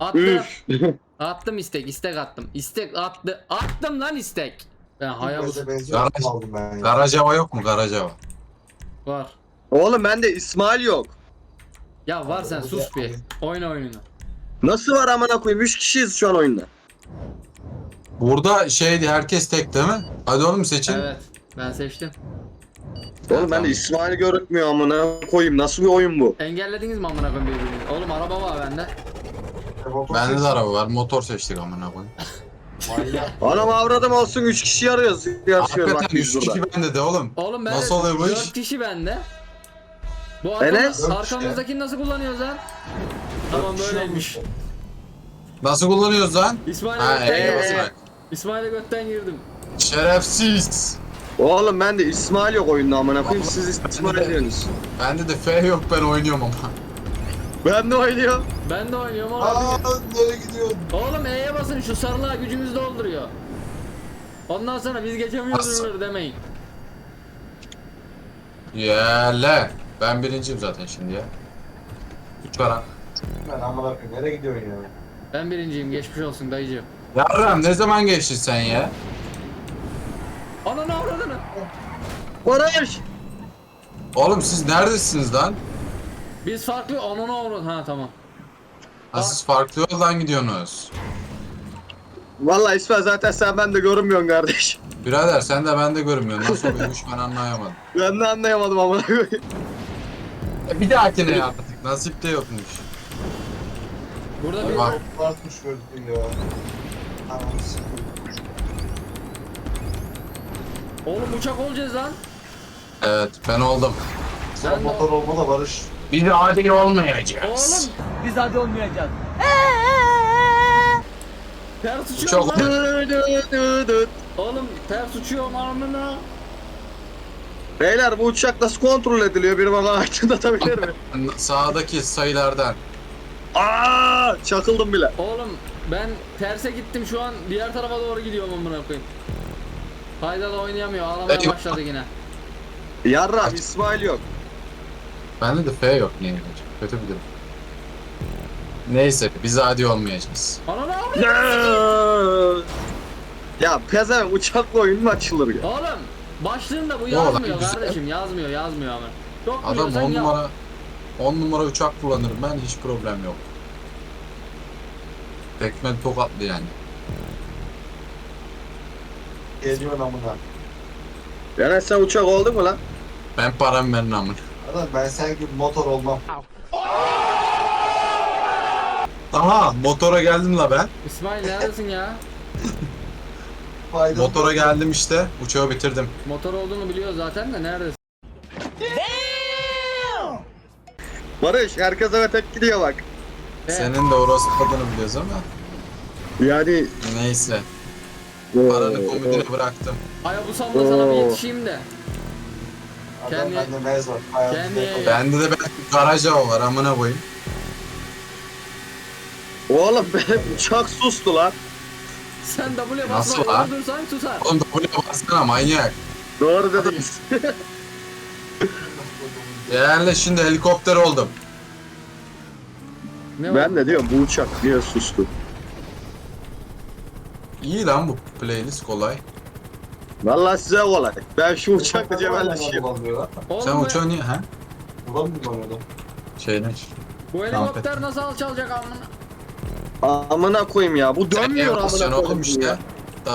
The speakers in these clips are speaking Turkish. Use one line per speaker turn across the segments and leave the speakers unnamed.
Attım.
Üf.
Attım istek attım. Attım lan istek. Ben Hayabusa
Benziyor.
Garaj-
Aldım ben ya.
Karacava yok mu Karacava?
var.
Oğlum bende İsmail yok.
Ya var sen sus bir. Oyna oyununu.
Nasıl var amına koyayım? 3 kişiyiz şu an oyunda.
Burada şeydi herkes tek değil mi? Hadi oğlum seçin.
Evet. Ben seçtim.
Oğlum bende İsmail görükmüyor amına koyayım. Nasıl bir oyun bu?
Engellediniz mi amına koyayım birbirini? Oğlum araba var bende.
Bende de araba var. Motor seçtik amına koyayım.
Manyak.
Anam avradım olsun 3 kişi arıyoruz. Yarışıyoruz bak
Hakikaten
biz
3
burada.
kişi bende de oğlum.
Oğlum ben
Nasıl oluyor bu
4
iş?
kişi bende. Bu
Enes?
arkamızdakini nasıl kullanıyoruz lan? Tamam böyleymiş.
Nasıl kullanıyoruz lan?
İsmail'e
Ha
götten
E'ye
girdim.
basarak.
İsmail'e götten girdim.
Şerefsiz.
Oğlum bende İsmail yok oyunda amına koyayım. Siz İsmail diyorsunuz.
Bende de F yok ben oynuyorum ama.
Ben de oynuyorum.
Ben de oynuyorum
Aa
abi.
nereye gidiyorsun?
Oğlum E'ye basın şu sarılığa gücümüz dolduruyor. Ondan sonra biz geçemiyoruz
Nasıl?
demeyin.
Yele. Ben birinciyim zaten şimdi ya. Üç kara.
Ben amına koyayım. Nereye gidiyorsun ya?
Ben birinciyim geçmiş olsun dayıcığım.
Yarram ne zaman geçtin sen ya?
Ananı avradını.
Barış!
Oğlum siz neredesiniz lan?
Biz farklı ananı avradını. Ha tamam.
Ha, siz farklı yoldan gidiyorsunuz.
Vallahi İsmail zaten sen bende görünmüyorsun kardeş.
Birader sen de ben de görünmüyorsun. Nasıl oluyormuş ben anlayamadım.
Ben de anlayamadım amına koyayım.
Bir dahakine yaptık. Nasip de yokmuş.
Burada bir
Bak.
Artmış gördüm ya. Anam sıkıldı.
oğlum uçak olacağız lan.
Evet ben oldum.
Sen
Ben de-
motor olma da Barış.
Biz adil olmayacağız.
Oğlum
Biz hadi olmayacağız.
ters uçuyor
Uçak
lan.
Dı dı dı dı.
Oğlum ters uçuyor ananı.
Beyler bu uçak nasıl kontrol ediliyor? Biri bana aydınlatabilir mi?
Sağdaki sayılardan.
Aa, çakıldım bile.
Oğlum ben terse gittim şu an diğer tarafa doğru gidiyorum amına koyayım. Faydalı oynayamıyor ağlamaya
Eyvah.
başladı yine.
Yarram İsmail yok.
Bende de F yok niye olacak? Kötü bir durum. Neyse biz adi olmayacağız.
Ananı avradını.
Ya pezevenk uçakla oyun mu açılır ya?
Oğlum başlığında bu
Ne olan
yazmıyor
güzel.
kardeşim yazmıyor ama. Çok
Adam
biliyorsan
10
yap.
numara 10 numara uçak kullanırım ben hiç problem yok. Tekmen tokatlı yani.
Geliyorsun amına.
Yani sen uçak oldun mu lan?
Ben param verin amın.
Adam ben sen gibi motor olmam.
Aha motora geldim la ben.
İsmail neredesin ya?
Faydalı.
Motora geldim işte. Uçağı bitirdim.
Motor olduğunu biliyor zaten de neredesin?
Barış herkes eve tek gidiyor bak.
Senin de orası adını biliyoruz ama.
Yani
Neyse. Paranı komodine bıraktım.
Hayabusamda sana bir yetişeyim de.
Adam
Kendi-
bende mez var. Hayatımda
kendi-
yapamam.
Bende de belki Karacava var amına koyayım.
oğlum benim uçak sustu lan.
Sen W
Nasıl
basma
lan?
dursan tutar.
Oğlum da buraya baksana manyak.
Doğru dedin.
Yani şimdi helikopter oldum.
Ne
Ben de diyorum bu uçak niye sustu?
İyi lan bu playlist kolay.
Vallahi size kolay. Ben şu uçakla cebelleşeyim.
Oğlum
Sen uçağı niye ha?
Ulan mı kullanıyordum?
Şeyden.
bu helikopter nasıl alçalacak amına?
Amına koyayım ya. Bu dönmüyor amına
Sen
koyayım
oğlum işte.
ya.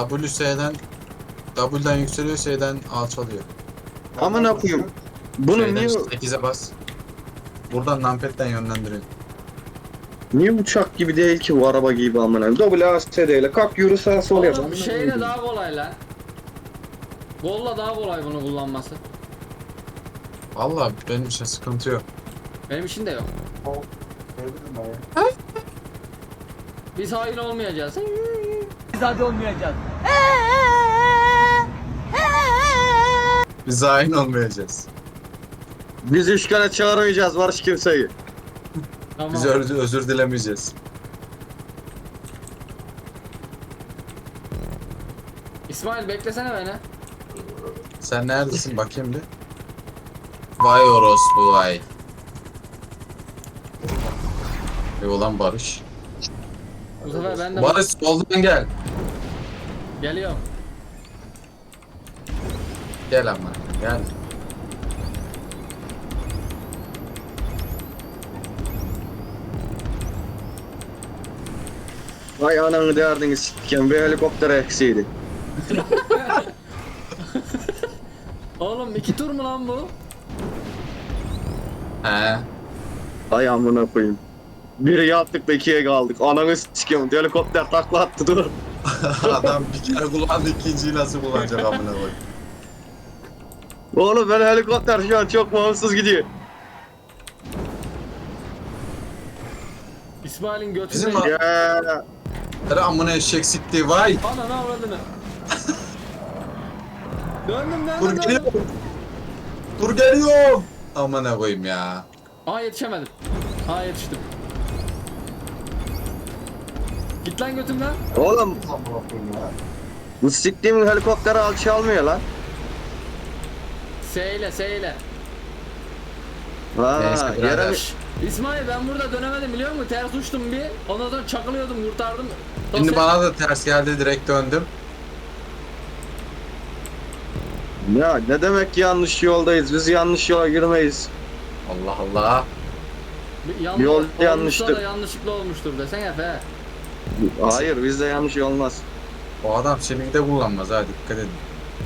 W'den yükseliyor S'den alçalıyor.
Amına koyayım. Bunu
Şeyden
niye
8'e bas. Buradan numpad'den yönlendiriyor.
niye uçak gibi değil ki bu araba gibi amına? WASD ile kalk yürü sağa sola yap.
Oğlum şeyle daha kolay lan. Golla daha kolay bunu kullanması.
Valla benim için sıkıntı yok.
Benim için de yok.
Gördün mü ya?
Biz hain olmayacağız.
Biz hadi olmayacağız.
Biz aynı olmayacağız.
Biz işgale çağırmayacağız Barış kimseyi.
Tamam.
Biz özür dilemeyeceğiz.
İsmail beklesene beni.
Sen neredesin bakayım bir. Vay orospu vay. Ulan Barış.
Bu sefer ben de
Barış soldan gel.
geliyorum.
Gel ama gel.
Vay ananı derdini sikken bir helikopter eksiydi.
Oğlum 2 tur mu lan bu?
He.
Ay amına koyayım. Biri yaptık da ikiye kaldık. Ananı sikiyorum. Helikopter takla attı dur.
Adam bir kere kullandı, ikinciyi nasıl kullanacak amına koyayım.
Oğlum ben helikopter şu an çok bağımsız gidiyor.
İsmail'in götüne...
Bizim
Ya.
Tere amına eşek sikti vay.
Ananı avradını. Döndüm
Dur
döndüm
geliyorum.
döndüm.
Dur geliyorum. Amına koyayım ya.
Aa yetişemedim. Aa yetiştim. Git lan götümden.
Oğlum
Lan bırakıyorum ya.
bu siktiğimin helikopteri alçalmıyor lan.
S ile.
Neyse,
Ha,
birader.
yere mi?
İsmail ben burada dönemedim biliyor musun? Ters uçtum bir. Ondan sonra çakılıyordum kurtardım.
Şimdi
Dosya-
bana da ters geldi, direkt döndüm.
Ya ne demek ki yanlış yoldayız? Biz yanlış yola girmeyiz.
Allah Allah.
Yanlış,
Yol
olmuşsa
yanlıştır.
da yanlışlıkla olmuştur desene Efe.
Hayır bizde yanlış olmaz.
O adam seni de kullanmaz ha, dikkat edin.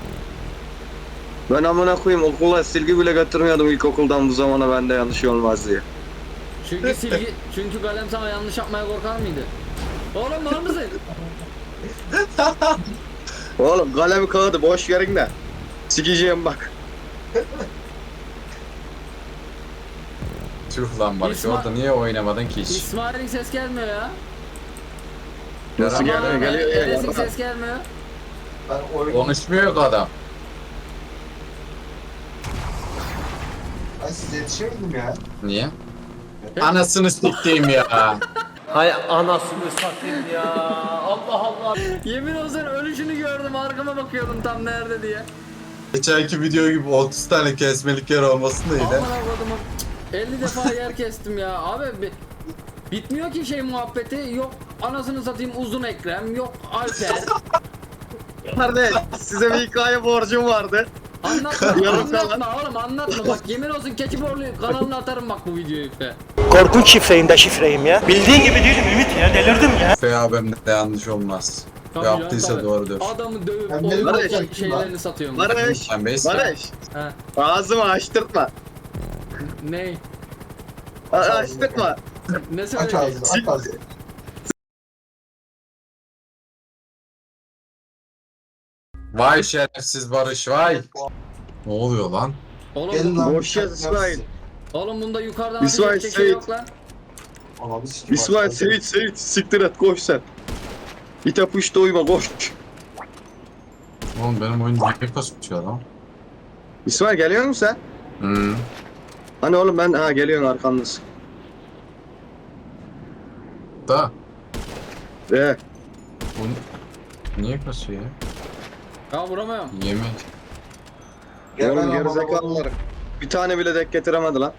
Ben amına koyayım okula silgi bile götürmüyordum ilkokuldan bu zamana bende yanlış olmaz diye.
Çünkü kalem sana yanlış yapmaya korkar mıydı? Oğlum var mısın?
Oğlum kalemi kağıdı boş verin de. Sikeceğim bak.
Tüh lan Barış,
İsmail-
orada niye oynamadın ki hiç?
İsmail'in ses gelmiyor ya.
Nasıl gelmiyor? Geliyor
Enes'in
ya.
ses gelmiyor.
Ben oyun...
Konuşmuyor ki adam.
Ben size yetişemedim ya.
Niye? Anasını siktiğim ya.
Hay anasını satayım ya. Allah Allah.
Yemin olsun ölüşünü gördüm arkama bakıyordum tam nerede diye.
Geçenki video gibi 30 tane kesmelik yer olmasın da
Aman
yine.
avradımı 50 defa yer kestim ya. Abi bitmiyor ki şey muhabbeti. Yok anasını satayım uzun Ekrem. Yok Alper.
Kardeş size bir hikaye borcum vardı.
Anlatma,
Yarım
anlatma oğlum anlatma. Bak yemin olsun Keçiborlu kanalına atarım bak bu videoyu işte.
Korkunç şifreyim de şifreyim ya. Bildiğin gibi değilim Ümit ya, delirdim ya.
FAB'mde de yanlış olmaz.
Tabii
Yaptıysa
ya, tabii.
doğrudur.
Adamı dövüp
Ben
oyun
Barış,
şeylerini satıyorum.
Barış,
Sen beys.
Barış.
Ha,
Ağzımı açtırtma.
ne?
Açtırtma.
Ne
Aç
söyleyeceksin?
ağzını, aç ağzını.
Vay şerefsiz Barış vay. Ne oluyor lan?
Gelin
Oğlum,
lan.
Boş yaz İsmail.
oğlum bunda yukarıdan
İsmail
ateş edecek şey
Seyit.
yok lan.
Ananı sikeyim.
İsmail
aç ağzını.
Seyit siktir et koş sen. İte puşta uyma koş.
Oğlum benim oyun niye kasıtıyor lan?
İsmail geliyor musun sen? Hani oğlum ben geliyorum arkamdasın.
Da
Ee,
bu niye kasıyor ya?
Ya vuramıyorum.
Yemek.
Gel ben
oğlum
amına
gerizekalılar. Bir tane bile denk getiremedi lan.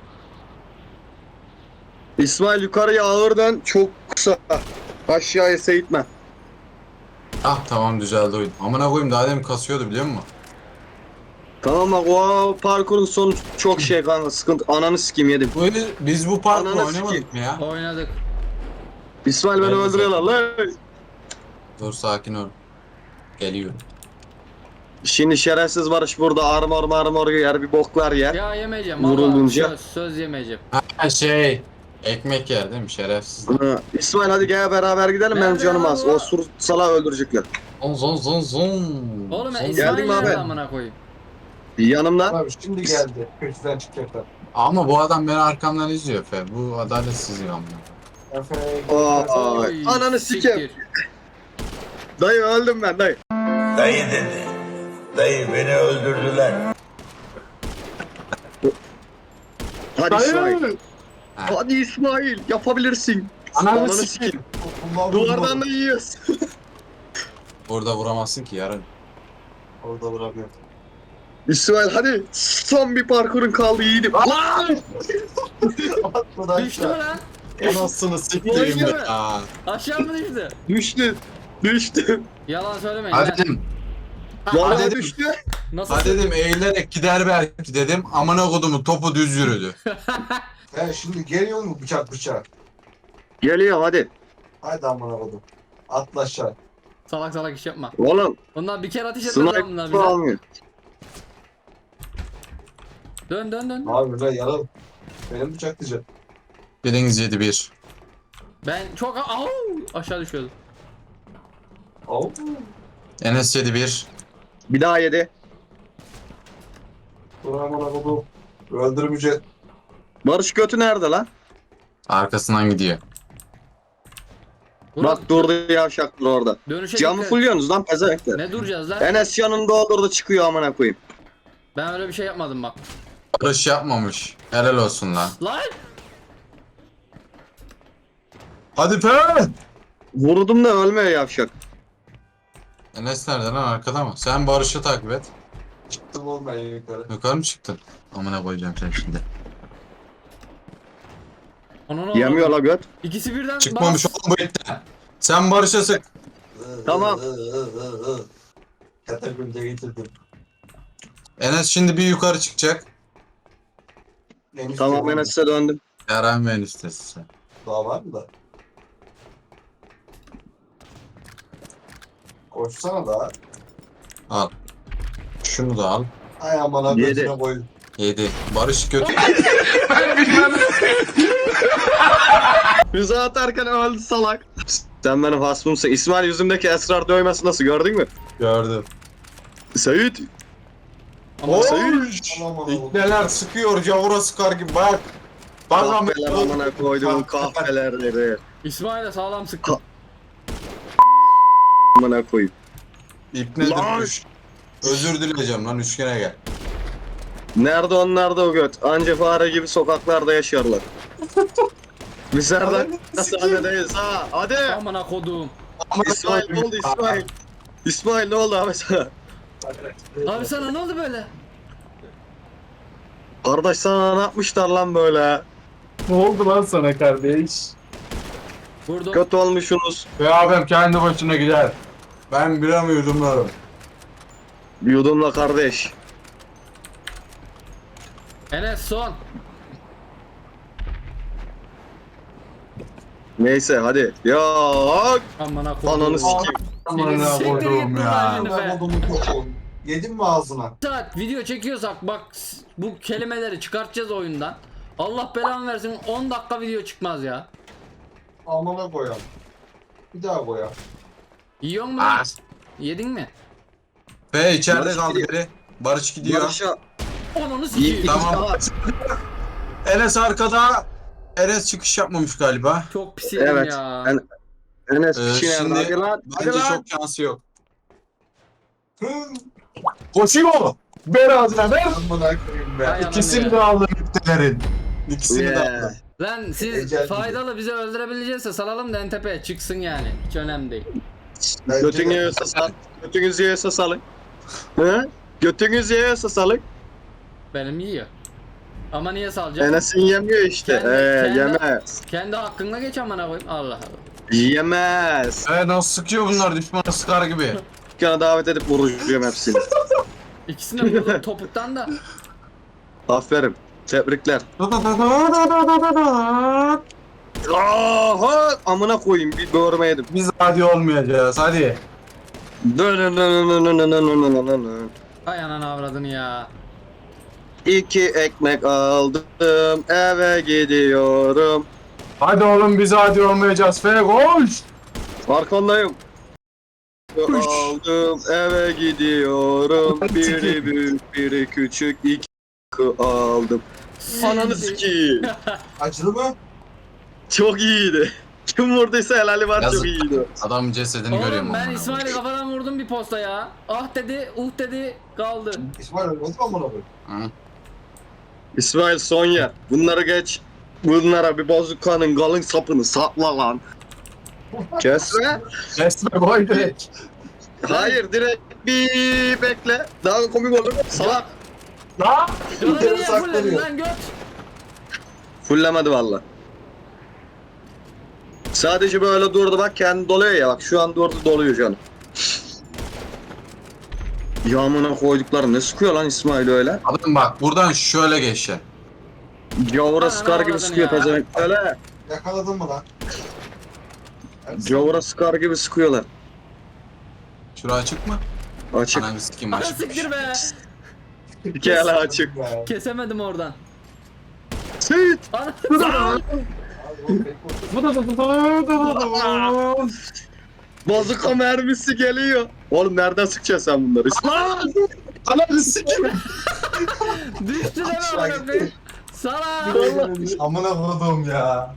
İsmail yukarıya ağır dön çok kısa. Aşağıya seyitme.
Ah tamam düzeldi oyun. Amına koyayım daha demin kasıyordu biliyor musun?
Tamam bak o parkurun sonu çok şey kanka sıkıntı. Ananı sikeyim yedim.
Biz bu parkuru
Ananı
oynamadık
sikeyim.
mı ya?
Oynadık.
İsmail beni
Ben de
öldürüyorlar lan.
Dur sakin ol. Geliyorum.
Şimdi şerefsiz Barış burada armor yer bir boklar yer.
Ya yemeyeceğim.
Vurulunca.
Vallahi söz yemeyeceğim.
Ha şey. Ekmek yer değil mi şerefsiz?
İsmail hadi gel beraber gidelim benim
Nerede
canım
ya
az.
bu?
O sur sala öldürecekler.
Zon zon zon.
Oğlum ya
Zon.
İsmail
Geldim
nerede
abi.
amına koyayım?
Yanımdan.
Abi şimdi geldi. Köşeden çıkacaklar.
Ama bu adam beni arkamdan izliyor Fe. Bu adaletsizlik amına.
Efe.
Aa,
Oy,
ananı sikeyim.
siktir.
Dayı öldüm ben dayı.
Dayı dedi. Dayı beni öldürdüler.
Hadi İsmail.
Ha.
Hadi İsmail yapabilirsin.
Ananı
Ananı
sikeyim.
sikeyim.
Bunlar
Duvardan da yiyoruz.
Burada vuramazsın ki yarın.
Orada bırakıyor.
İsmail hadi son bir parkurun kaldı yiğidim. Lan!
Atmadan
Düştü mü lan?
Anasını siktireyim
Boynu mu?
ya.
Aşağı mı düştü?
Düştü. Düştü.
Yalan söylemeyin
Hadi
lan.
dedim.
Vallahi
dedim.
düştü.
Nasıl?
Hadi dedim eğilerek gider belki dedim. Amına kodumu topu düz yürüdü.
He şimdi geliyor mu bıçak?
Geliyor hadi.
Haydi amına koydum. Atla aşağı.
Salak salak iş yapma.
Oğlum
Onlar bir kere ateş etmez lan bunlar
sniper
bize.
almıyor.
Dön dön dön.
Abi lan yaralı. Benim bıçaklayacak.
Biriniz 7-1.
Ben çok aşağı düşüyordum.
Au.
Enes 7-1.
Bir daha yedi.
Dur amına koydum. Öldürmeyecek.
Barış götü nerede lan?
Arkasından gidiyor.
Bak durdu yavşaklar orada.
Dönüşe
Camı
dikkat.
fulluyorsunuz lan pezevenkler.
Ne duracağız lan?
Enes yanında olurdu çıkıyor amına koyayım.
Ben öyle bir şey yapmadım bak.
Barış yapmamış. Helal olsun lan.
Lan!
Hadi be!
Vurdum da ölmüyor yavşak.
Enes nerede lan, arkada mı? Sen Barış'ı takip et.
Çıktım oğlum ben yukarı.
Yukarı mı çıktın? Amına koyacağım sen şimdi.
Onun
Yemiyor la göt.
İkisi birden
Çıkmamış oğlum bu itten. Sen Barış'a sık.
Tamam.
Katakulde getirdim.
Enes şimdi bir yukarı çıkacak.
En
Tamam
üstte
Enes'e döndüm.
Eren ve Enes'tesin sen.
daha var mı da? Koşsana da.
Al. Şunu da al.
Ay amına
Yedi.
gözüne koy.
7. Barış götür.
Füze atarken öldü salak. Sen benim hasmımsın. İsmail yüzümdeki esrar dövmesi nasıl gördün mü?
Gördüm.
Seyit.
Ama
Seyit.
İkneler sıkıyor, cavura sıkar gibi bak. Bak
Kahpeler amına koyduğum kahpelerleri.
İsmail'e sağlam sıktı.
Amına koyayım.
İpne
Lan!
düş. Özür dileyeceğim lan, üçgene gel.
Nerede onlar da o göt? Anca fare gibi sokaklarda yaşarlar. Biz nereden hastanedeyiz ha? Hadi.
Amına kodum.
İsmail ne oldu İsmail? İsmail ne oldu abi sana?
Abi sana ne oldu böyle?
Kardeş sana ne yapmışlar lan böyle?
Ne oldu lan sana kardeş?
Vurdum.
Kötü olmuşsunuz.
Ve abim kendi başına gider. Ben biramı yudumlarım.
Yudumla kardeş.
Enes son.
Neyse hadi. Ya
Amına kodum.
ananı sikeyim.
Amına
Siktir git
koyduğum
buradan
ya.
şimdi.
Amına kodumu koçum. Yedin mi ağzına?
Saat video çekiyorsak bak bu kelimeleri çıkartacağız oyundan. Allah belanı versin 10 dakika video çıkmaz ya.
Amına koyam. Bir daha koyam.
Yiyor mu?
Ah.
Yedin mi?
Ve içeride
Barış
kaldı
gidiyor.
biri. Barış gidiyor.
Barış'a
Onu
iyi.
sikeyim.
Tamam. Enes arkada. Enes çıkış yapmamış galiba.
Çok pis yedim
Evet.
ya.
Enes
Şimdi
şimdi hadi lan. Hadi
bence
lan.
çok şansı yok.
Hı.
Koşuyor. Ver ağzına ver.
Amına koyayım be.
Hay
İkisini
ya.
de aldım iptelerin. İkisini de
Yeah.
aldım.
Lan siz
Ecel gibi.
faydalı bizi öldürebileceğizse salalım da en tepeye çıksın yani. Hiç önemli değil.
Bence
Götünü
de.
yiyorsa sal. Götünüzü yiyorsa salın. Hı? Götünüzü yiyorsa salın.
Benim yiyor. Ama niye salacağım?
Enes'in yemiyor işte.
Kendi-
Yemez.
Kendi hakkınla geç amına koyayım. Allah Allah.
Yemez.
Nasıl sıkıyor bunlar, düşmanı sıkar gibi.
Dükkana davet edip vuracağım hepsini.
İkisini de vurdum topuktan da.
Aferin. Tebrikler. Aha! Amına koyayım bir görmeyedim.
Biz hadi olmayacağız, hadi.
Hay ananı avradını ya.
2 ekmek aldım eve gidiyorum.
Hadi oğlum, biz hadi olmayacağız. Fe koş.
Arkandayım. Aldım eve gidiyorum. Biri büyük biri küçük 2 aldım. Ananı sikeyim.
Acılı mı?
Çok iyiydi. Kim vurduysa helali var
Yazık.
çok iyiydi.
Adamın cesedini görüyorum.
Oğlum ben
amına
İsmail'i
koyayım.
kafadan vurdum bir posta ya. Ah dedi, dedi kaldı.
İsmail ölmedi mi amına koyayım?
Hı.
İsmail Sonya bunları geç. Bunlara bir bazukanın kalın sapını sapla lan. Kesme.
Kesme, koy direkt.
Hayır direkt bir bekle. Daha komik olur. Salak.
Lan.
Canını niye
saklanıyor.
fulledin lan göt?
Fullemedi valla. Sadece böyle durdu bak kendi doluyor ya bak şu an durdu doluyor canım. Yağmına koydukları ne sıkıyor lan İsmail öyle?
Adam bak buradan şöyle geçeceksin.
Gavura
Ana,
sıkar
ne
gibi
avradın
sıkıyor
ya?
pezevenk öyle.
Yakaladın mı lan?
Gavura sıkar gibi sıkıyorlar.
Şura açık mı?
Açık.
Ananı sikeyim
Ana
açıkmış.
siktir be.
İki ele açık.
Be.
Kesemedim oradan.
Seyit.
Ana.
Abi o pek
Bazuka mermisi geliyor. Oğlum nereden sıkacaksın sen bunları?
Ananı sikeyim.
Düştü deme
Aşağı
amına koyayım.
gitti.
Sana.
Amına koydum ya.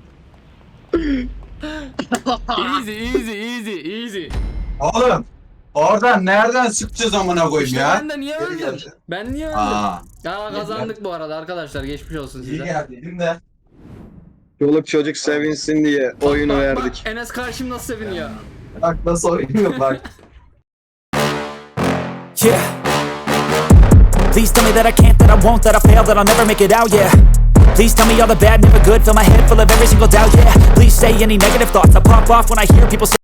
Easy.
Oğlum oradan nereden sıkacağız amına koyayım
İşte
ya?
ben de niye
Geri
öldüm?
geldi.
Ben niye öldüm?
Aa.
Ya kazandık bu arada arkadaşlar. Geçmiş olsun
İyi
size.
geldin de.
Çoluk çocuk sevinsin diye oyunu
Bak,
verdik.
Enes karşım nasıl seviniyor.
Bak nasıl oynuyor bak.
Yeah. Please tell me that I can't, that I won't, that I fail, that I'll never make it out, yeah. Please tell me all the bad, never good, fill my head full of every single doubt, yeah. Please say any negative thoughts, I pop off when I hear people say